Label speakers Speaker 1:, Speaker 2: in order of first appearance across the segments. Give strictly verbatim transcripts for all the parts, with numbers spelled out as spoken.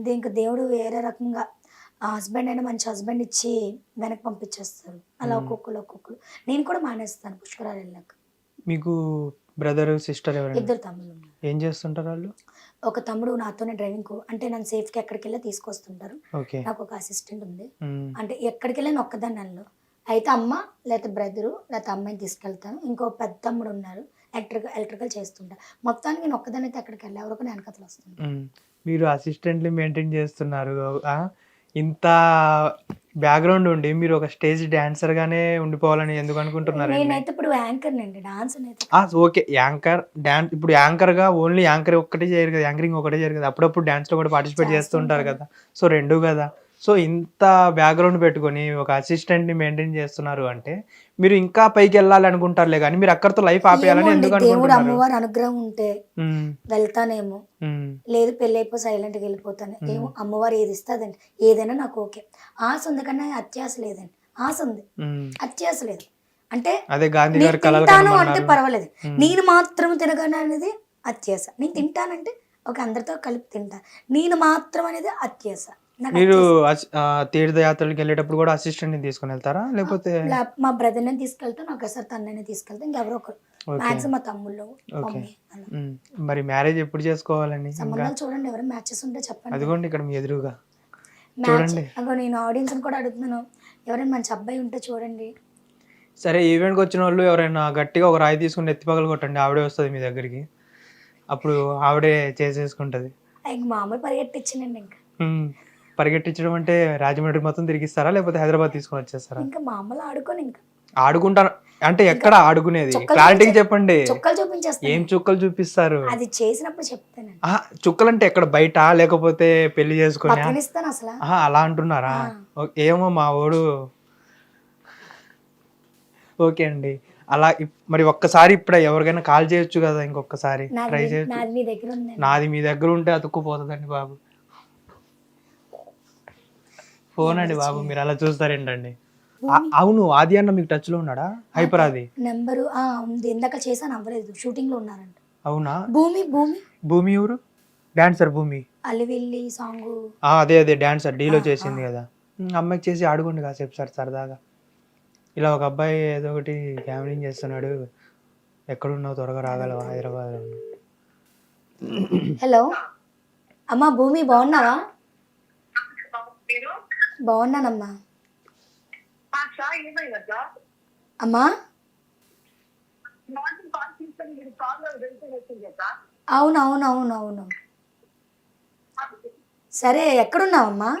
Speaker 1: అంతే. ఇంక దేవుడు వేరే రకంగా ఆ హస్బెండ్ అయినా మంచి హస్బెండ్ ఇచ్చి వెనక్కి పంపించేస్తారు. అలా
Speaker 2: హ్మ్.
Speaker 1: ఒక్కొక్కళ్ళు, ఒక్కొక్కళ్ళు. నేను కూడా మానేస్తాను పుష్కరాలు వెళ్ళాక.
Speaker 2: మీకు బ్రదరు, సిస్టర్ ఎవరైనా?
Speaker 1: ఇద్దరు తమ్ముళ్ళున్నారు.
Speaker 2: ఏం చేస్తుంటారు ఆళ్ళు?
Speaker 1: ఒక తమ్ముడు నాతోనే డ్రైవింగ్‌కు అంటే నన్ను సేఫ్‌గా ఎక్కడికెళ్ళినా తీసుకొస్తుంటారు.
Speaker 2: ఓకే.
Speaker 1: నాకొక అసిస్టెంట్ ఉంది.
Speaker 2: హ్మ్.
Speaker 1: అంటే ఎక్కడికెళ్ళినా నేను ఒక్కదాన్ని ఎళ్ళను. అయితే అమ్మ, లేతే బ్రదరు, లేతే అమ్మాయిని తీసుకెళ్తాను. ఇంకో పెద్ద తమ్ముడున్నారు. ఎలక్ట్రికల్ ఎలక్ట్రికల్ చేస్తుంటా. మొత్తానికి నేను ఒక్కదాన్నయితే ఎక్కడికెళ్ళా. ఎవరో ఒకరు నా ఎనకాతల వస్తుంటారు.
Speaker 2: హ్మ్. మీరు అసిస్టెంట్‌ని మెయింటైన్ చేస్తున్నారు. ఆ! ఇంత బ్యాక్‌గ్రౌండ్ ఉండి మీరు ఒక స్టేజ్ డాన్సర్‌గానే ఉండిపోవాలని ఎందుకు అనుకుంటున్నారండి?
Speaker 1: నేనైతే ఇప్పుడు యాంకర్‌నండి. డాన్సర్‌నైతే
Speaker 2: ఆ!
Speaker 1: కాదు.
Speaker 2: ఓకే. యాంకర్, డాన్ ఇప్పుడు యాంకర్‌గా ఓన్లీ యాంకర్ ఒక్కటే చేయరు కదా! యాంకరింగ్ ఒకటే చేయరు కదా! అప్పుడప్పుడు డాన్స్‌లో కూడా పార్టిసిపేట్ చేస్తూ
Speaker 1: చేస్తూ
Speaker 2: ఉంటారు
Speaker 1: ఉంటాను.
Speaker 2: కదా! సో, రెండు గదా! సో, ఇంత బ్యాక్‌గ్రౌండ్ పెట్టుకొని ఒక అసిస్టెంట్‌ని మెయింటైన్ చేస్తున్నారు అంటే, మీరు ఇంకా పైకెళ్ళాలి అనుకుంటారులే గానీ, మీరు అక్కడితో లైఫ్
Speaker 1: ఏమో
Speaker 2: ఆపేయాలని
Speaker 1: అండి.
Speaker 2: ఎందుకు
Speaker 1: దేవుడు,
Speaker 2: అనుకుంటున్నారు?
Speaker 1: అమ్మవారి అనుగ్రహం ఉంటే
Speaker 2: హ్మ్.
Speaker 1: వెళ్తానేమో.
Speaker 2: హ్మ్.
Speaker 1: లేదు పెళ్లయిపోయి సైలెంట్‌గా ఎళ్ళిపోతాను.
Speaker 2: హ్మ్.
Speaker 1: ఏమో అమ్మవారు ఏది ఇస్తే అదండి. ఏదైనా నాకు ఓకే. ఆశ ఉంది కానీ అత్యాశ లేదండి. ఆశ ఉంది.
Speaker 2: హ్మ్.
Speaker 1: అత్యాశ లేదు. అంటే
Speaker 2: అదే గాంధీ
Speaker 1: నేను
Speaker 2: గారు కలలు
Speaker 1: తింటాను అంటే
Speaker 2: కనమన్నారు.
Speaker 1: పర్వాలేదు.
Speaker 2: హ్మ్.
Speaker 1: నేను మాత్రం తినగలను అనేది అత్యాశ. నేను తింటానంటే ఓకే. అందరితో కలిపి తింటా. నేను మాత్రం అనేది అత్యాశ. నాకు
Speaker 2: మీరు
Speaker 1: అత్యాశ
Speaker 2: అస్ ఆహ్, తీర్థయాత్రలకెళ్ళేటప్పుడు గూడా అసిస్టెంట్‌ని తీసుకొనెళ్తారా?
Speaker 1: ఆ!
Speaker 2: లేపోతే
Speaker 1: లా మా బ్రదర్‌ని తీసుకెళ్తా. నాకోసారి తనని తీసుకెళ్తా. ఇంకెవరో ఒకరు.
Speaker 2: ఓకే.
Speaker 1: మాక్సిమం మా తమ్ముళ్ళు,
Speaker 2: ఓకే.
Speaker 1: మమ్మీ అలా.
Speaker 2: హ్మ్. మరి మ్యారేజ్ ఎప్పుడు చేసుకోవాలండి ఇంకా?
Speaker 1: సంబంధాలు చూడండి ఎవరైనా మ్యాచెస్ ఉంటే చెప్పండి.
Speaker 2: అదిగోండి ఇక్కడ మీ ఎదురుగా.
Speaker 1: మ్యాచ్
Speaker 2: చూడండి.
Speaker 1: అగో నేను ఆడియన్స్‌ని కూడా అడుగుతున్నాను. ఎవరైనా మంచి అబ్బాయి ఉంటే చూడండి.
Speaker 2: సరే ఈవెంట్‌కొచ్చినోళ్ళు ఎవరైనా గట్టిగా ఒక రాయి తీసుకొని నెత్తి పగలగొట్టండి. ఆవిడే వస్తది మీ దగ్గరికి. అప్పుడు ఆవిడే చేసేసుకుంటది.
Speaker 1: ఇంక మామూలు పరిగెట్టిచ్చానండి ఇంక.
Speaker 2: హ్మ్. పరిగెట్టించడం అంటే రాజమండ్రి మొత్తం తిరిగిస్తారా? లేపోతే హైదరాబాద్ తీసుకొనొచ్చేస్తారా?
Speaker 1: ఇంకా మామూలు ఆడుకోనింక.
Speaker 2: ఆడుకుంటాను అంటే
Speaker 1: ఇంకా
Speaker 2: ఎక్కడ ఆడుకునేది?
Speaker 1: చుక్కలు
Speaker 2: క్లారిటీగా
Speaker 1: చూపించే
Speaker 2: చెప్పండి.
Speaker 1: చుక్కలు చూపించేస్తాను
Speaker 2: ఏం
Speaker 1: నేను.
Speaker 2: చుక్కలు చూపిస్తారు?
Speaker 1: అది చేసినప్పుడు చెప్తానండి.
Speaker 2: అహా! చుక్కలంటే ఎక్కడ బయటా? లేకపోతే పెళ్లి చేసుకొనా?
Speaker 1: బతకనిస్తానసల.
Speaker 2: అహా! అలా అంటున్నారా?
Speaker 1: ఆ!
Speaker 2: ఓ ఏమో మా వోడు ఓకే అండి. అలా ఇప్ మరి ఒక్కసారి ఇప్పుడే ఎవరికైనా కాల్ చేయొచ్చు గదా! ఇంకొక్కసారి
Speaker 1: నాది
Speaker 2: ట్రై
Speaker 1: మీ
Speaker 2: చేయొచ్చు.
Speaker 1: నాది మీ దగ్గరుందండి.
Speaker 2: నాది మీ దగ్గరుంటే అతుక్కుపోతదండి బాబు. ఫోన్ అండి
Speaker 1: ఎవరు
Speaker 2: బాబు
Speaker 1: చేయరు.
Speaker 2: మీరలా చూస్తారేంటండి? అ
Speaker 1: భూమి
Speaker 2: అవును. ఆది అన్న మీకు టచ్‌లో ఉన్నాడా?
Speaker 1: ఆ! ట
Speaker 2: హైపర్ ఆది.
Speaker 1: నంబరు ఆ! ఉంది. ఇందాక చేశాను అవ్వలేదు. షూటింగ్‌లో ఉన్నారంట.
Speaker 2: అవునా?
Speaker 1: భూమి, భూమి
Speaker 2: భూమి ఎవరు? డాన్సర్ భూమి.
Speaker 1: అలివిల్లి సాంగు
Speaker 2: ఆ! అదే అదే డాన్సర్
Speaker 1: ఆ!
Speaker 2: 'ఢీలో'
Speaker 1: ఆ!
Speaker 2: చేసింది గదా! హ్మ్. అమ్మాయికి చేసి ఆడుకోండి కాసేపు సర సరదాగా. ఇలా ఒక అబ్బాయి ఏదో ఒకటి గ్యామ్లింగ్ చేస్తున్నాడు. ఎక్కడున్నావు త్వరగా రాగలవా
Speaker 1: అడుగుతాను.
Speaker 2: హైదరాబాద్‌లో.
Speaker 1: హలో! అమ్మ భూమి బావున్నావా?
Speaker 3: మీరు
Speaker 1: బావున్నానమ్మా.
Speaker 3: ఆ సాయి ఏమైందక్క
Speaker 1: అమ్మా?
Speaker 3: మార్నింగ్ కాల్ తీసుకొని మీరు కాల్ వెళ్తూ వచ్చింది అక్క
Speaker 1: అవునవునవునవును. సరే ఎక్కడున్నావమ్మా?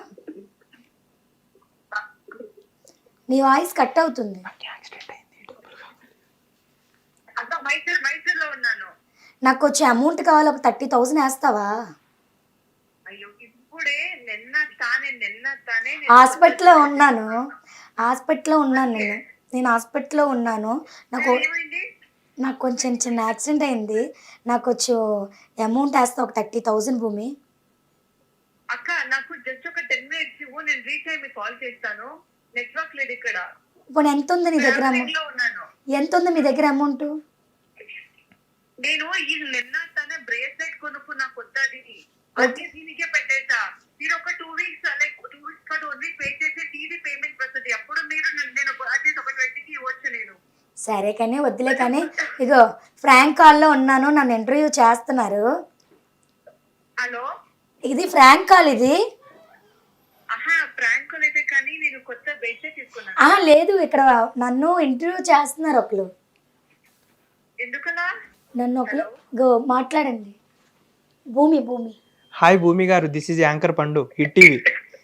Speaker 1: నీ వాయిస్ కట్ అవుతుంది.
Speaker 2: యాక్సిడెంట్ అయింది. డబ్బులు కావాలి.
Speaker 3: అక్క మైసూర్ మైసూర్ లో ఉన్నాను.
Speaker 1: నాకు కొంచెం అమౌంట్ కావాలి. ఒక ముప్పై వేలు ఏస్తావా?
Speaker 3: అయ్యో ఇప్పుడే నిన్న తానే నిన్న తానే
Speaker 1: హాస్పిటల్‌లో ఉన్నాను. హాస్పిటల్‌లో ఉన్నాను
Speaker 3: ఓకే
Speaker 1: నేను. నేను హాస్పిటల్‌లో ఉన్నాను. నాకు
Speaker 3: ఏమైంది
Speaker 1: నాకు కొంచెం చిన్న యాక్సిడెంట్ అయింది. నాకు కొంచెం అమౌంట్ ఏస్తావా? ఒక ముప్పై వేలు భూమి.
Speaker 3: అక్క నాకు జస్ట్ ఒక టెన్ మినిట్స్ ఇవ్వు నేను రీచ్ అయ్యి మీకు కాల్ చేస్తాను. నెట్వర్క్ లేదు ఇక్కడ.
Speaker 1: పోనీ ఎంతుంది నీ దగ్గర అమౌ
Speaker 3: ట్రావెలింగ్ లో ఉన్నాను.
Speaker 1: ఎంతుంది మీ దగ్గర అమౌంటు?
Speaker 3: నేను ఈ నిన్న తన బ్రేస్లెట్ కొనుక్కున్నా కొత్తది.
Speaker 1: ఓకే.
Speaker 3: అది దీనికే పెట్టేసా. మీరు ఒక two weeks like two weeks కాదు ఓన్లీ పే చేస్తే టీవీ పేమెంట్ వస్తుంది. అప్పుడు మీరు నన్ను- నేను అట్లీస్ట్ ఒక ట్వంటీకి ఇవ్వచ్చు నేను.
Speaker 1: సరే కానీ వద్దులే కానీ ఇగో ఫ్రాంక్ కాల్‌లో ఉన్నాను. నన్ను ఇంటర్వ్యూ చేస్తున్నారు.
Speaker 3: హలో
Speaker 1: ఇది ఫ్రాంక్ కాల్ ఇది.
Speaker 3: ఆహా ప్రాంక్ అయితే కానీ నేను కొత్త బ్రేస్లెట్ తీసుకున్నాను.
Speaker 1: అహా! లేదు ఇక్కడ నన్ను ఇంటర్వ్యూ చేస్తున్నారు ఒకళ్ళు.
Speaker 3: ఎందుకలా?
Speaker 1: నన్ను ఒకళ్ళు
Speaker 3: హలో
Speaker 1: ఇగో మాట్లాడండి. భూమి, భూమి.
Speaker 2: హాయ్ భూమి గారు. This is anchor Pandu. Hit TV.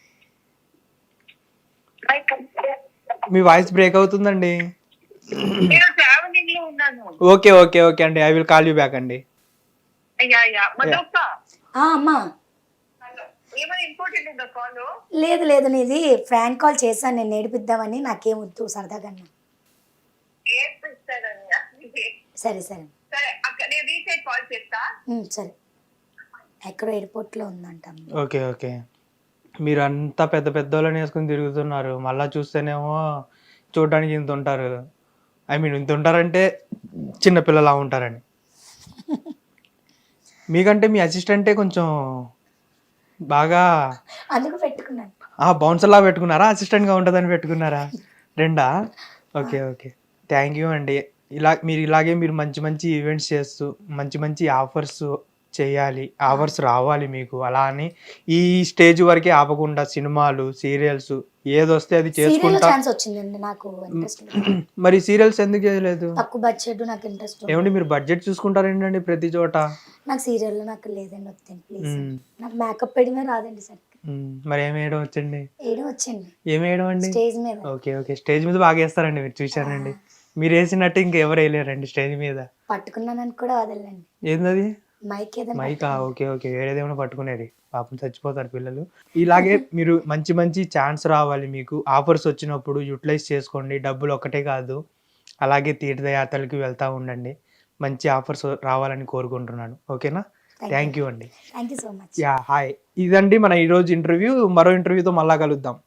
Speaker 2: మీ వాయిస్ బ్రేక్ అవుతుందండి.
Speaker 3: నేను ట్రావెలింగ్ లో ఉన్నాను.
Speaker 2: ఓకే. ఓకే. ఓకే అండి. I will call you back అండి.
Speaker 3: అయ్యా అయ్యా
Speaker 2: యాహ్!
Speaker 3: మధుక్క
Speaker 1: ఆ! అమ్మా.
Speaker 3: హలో ఏమైనా ఇంపార్టెంట్ ఉందా కాల్?
Speaker 1: లేదు లేదు నీది ఫ్రాంక్ కాల్ చేశాను నేను ఏడిపిద్దామని. నాకేం వద్దు సరదాగన్నా.
Speaker 3: ఏం ఇస్తానని
Speaker 1: సరే సరే.
Speaker 3: సరే అక్క నేను రీచ్ అయ్యి కాల్ చేస్తా.
Speaker 1: హ్మ్. సరే. ఎక్కడో ఎయిర్‌పోర్ట్‌లో ఉందంట అమ్మ.
Speaker 2: ఓకే. ఓకే. మీరంతా పెద్ద పెద్దోళ్ళని యేసుకొని తిరుగుతున్నారు. మళ్ళా చూస్తేనేమో చూడడానికి ఇంతుంటారు. ఐ మీన్ ఇంతుంటారంటే చిన్న పిల్లలా ఉంటారని. మీకంటే మీ అసిస్టెంటే కొంచెం బాగా
Speaker 1: అందుకు పెట్టుకున్నాను.
Speaker 2: ఆ బౌన్సర్ లా పెట్టుకున్నారా, అసిస్టెంట్ గా ఉంటుందని పెట్టుకున్నారా? రెండా? ఓకే ఓకే, థ్యాంక్ యూ అండి. ఇలా మీరు ఇలాగే మీరు మంచి మంచి ఈవెంట్స్ చేస్తూ మంచి మంచి ఆఫర్స్ చేయాలి, ఆఫర్స్ రావాలి మీకు. అలా అని ఈ స్టేజ్ వరకే ఆపకుండా సినిమాలు, సీరియల్స్ ఏదొస్తే అది
Speaker 1: సీరియల్
Speaker 2: చేసుకుంటా.
Speaker 1: ఛాన్స్ వచ్చిందండి, నాకు ఇంట్రెస్ట్ లేదు.
Speaker 2: మరి సీరియల్స్ ఎందుకు చేయలేదు?
Speaker 1: తక్కువ బడ్జెట్, నాకు ఇంట్రెస్ట్ ఉంది.
Speaker 2: ఏమండి మీరు బడ్జెట్ చూసుకుంటారేంటండి ప్రతి చోట?
Speaker 1: నాకు సీరియల్లో నాకు లేదండి, వద్దండి ప్లీజ్.
Speaker 2: మ్మ్.
Speaker 1: నాకు మేకప్ వేయడమే రాదండి సరిగ్గా.
Speaker 2: మ్మ్. మరి ఏం వేయడం వచ్చండి?
Speaker 1: వేయడం వచ్చండి
Speaker 2: ఏం వేయడం అండి?
Speaker 1: స్టేజ్ మీద.
Speaker 2: ఓకే ఓకే, స్టేజ్ మీద బాగా వేస్తారండి, మీరు చూశానండి. మీరు వేసినట్టు ఇంకెవరు వేయలేరండి స్టేజ్ మీద.
Speaker 1: పట్టుకున్నానని కూడా వదలండి,
Speaker 2: ఏందది?
Speaker 1: మైక్ ఏదైనా
Speaker 2: మైకా? ఓకే ఓకే, వేరేదేమైనా పట్టుకునేది, పాపం చచ్చిపోతారు పిల్లలు. ఇలాగే మీరు మంచి మంచి ఛాన్స్ రావాలి మీకు, ఆఫర్స్ వచ్చినప్పుడు యూటిలైజ్ చేసుకోండి. డబ్బులు ఒక్కటే కాదు, అలాగే తీర్థయాత్రలకి వెళ్తూ ఉండండి. మంచి ఆఫర్స్ రావాలని కోరుకుంటున్నాను. ఓకేనా? థ్యాంక్ యూ అండి.
Speaker 1: Thank you so much.
Speaker 2: Yeah hi, ఇదండి మన ఈరోజు ఇంటర్వ్యూ. మరో ఇంటర్వ్యూతో మళ్ళా కలుద్దాం.